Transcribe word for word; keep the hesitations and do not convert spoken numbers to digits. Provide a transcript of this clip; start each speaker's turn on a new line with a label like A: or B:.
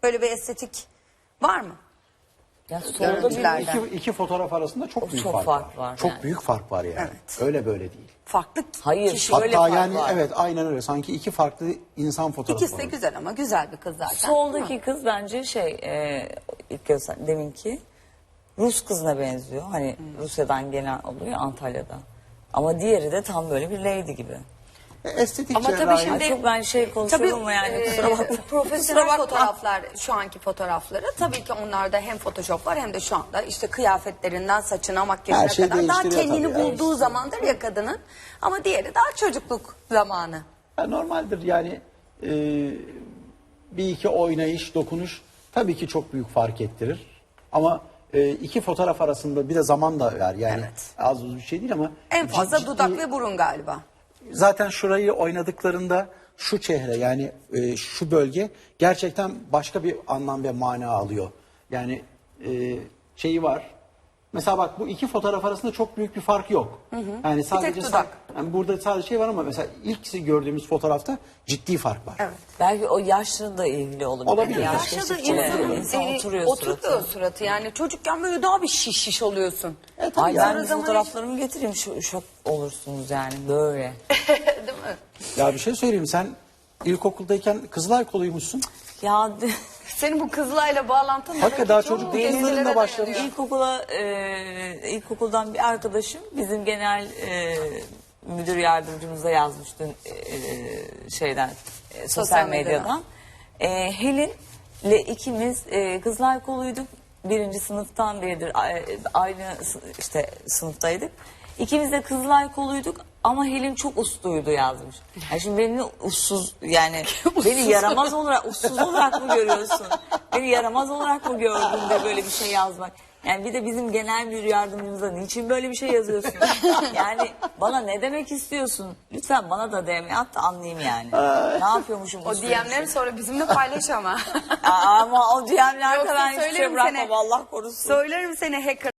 A: Böyle bir estetik var mı?
B: Ya
C: Yani
B: solda bir
A: Renklerden.
C: iki, iki fotoğraf arasında çok büyük
B: çok
C: fark,
B: fark
C: var.
B: var
C: Çok
B: yani.
C: büyük fark var yani.
A: Evet.
C: Öyle böyle değil.
A: Farklı
B: Hayır,
A: kişi.
B: şöyle
C: Hatta
B: fark
C: yani
B: var.
C: evet aynen öyle. Sanki iki farklı insan fotoğrafı
A: İkisi de
C: var.
A: güzel ama güzel bir kız zaten.
B: Soldaki kız bence şey e, ilk göster deminki Rus kızına benziyor. Hani Rusya'dan gelen oluyor Antalya'da. Ama diğeri de tam böyle bir lady gibi.
C: E, Estetik
A: Ama tabii
C: cerrahi-
A: şimdi-
B: Ay çok ben şey konuşuyorum ama yani
A: e,
B: kusura bakma.
A: profesyonel
B: Kusura bakma.
A: fotoğraflar, şu anki fotoğrafları tabii ki onlarda hem Photoshop var hem de şu anda işte kıyafetlerinden saçına makyajına
C: Her şey
A: kadar daha
C: değiştiriyor
A: kendini
C: tabii,
A: bulduğu zamandır ya kadının, ama diğeri daha çocukluk zamanı.
C: Ya normaldir yani e, bir iki oynayış, dokunuş tabii ki çok büyük fark ettirir. Ama e, iki fotoğraf arasında bir de zaman da var yani
A: Evet.
C: az uz bir şey değil ama
A: En fazla
C: ciddi-
A: dudak ve burun galiba.
C: zaten şurayı oynadıklarında şu çehre yani e, şu bölge gerçekten başka bir anlam ve mana alıyor. Yani e, şeyi var. Mesela bak bu iki fotoğraf arasında çok büyük bir fark yok. Yani sadece sa-
A: dudak.
C: yani burada sadece şey var ama mesela ilk gördüğümüz fotoğrafta ciddi fark var.
A: Evet.
B: Belki o yaşla da ilgili olabilir.
C: Olabilir.
B: Yani
C: Yaş
B: yaş
A: Yaşlı da
B: geçtikçe
A: insanın
B: insan
A: e,
B: oturuyor
A: oturuyor
B: suratı.
A: suratı. Yani çocukken böyle daha bir şiş şiş oluyorsun.
C: E, tabii
B: Ay
C: ya.
B: ben bir fotoğraflarımı getireyim şu şok olursunuz yani böyle.
A: Değil mi?
C: Ya bir şey söyleyeyim sen ilkokuldayken Kızılay koluymuşsun.
B: Ya
A: Senin bu Kızılay'la bağlantın
C: Hakikaten daha çocuk
A: çok
C: değil,
A: eskilere
C: yıllarında başlamış.
A: dayanıyor.
B: İlkokula, e, ilkokuldan bir arkadaşım bizim genel e, müdür yardımcımıza yazmıştı e, şeyden e, sosyal,
A: Sosyal medyadan.
B: medyadan. E, Helin'le ikimiz e, Kızılay koluyduk. Birinci sınıftan beridir a- aynı sı- işte sınıftaydık. İkimiz de Kızılay koluyduk ama Helin çok usluydu yazmış. Yani şimdi beni ussuz yani beni yaramaz olarak ussuz olarak mı görüyorsun? Beni yaramaz olarak mı gördün de böyle bir şey yazmak? Yani bir de bizim genel müdür yardımcımıza niçin böyle bir şey yazıyorsun? Yani bana ne demek istiyorsun? Lütfen bana da D M at da anlayayım yani. Ne yapıyormuşum?
A: O D M'leri sonra bizimle paylaş ama.
B: Ama o D M'lerde
A: Yoksa
B: ben hiçbir şey
A: söylerim
B: bırakmam
A: seni.
B: Allah korusun.
A: Söylerim seni hacker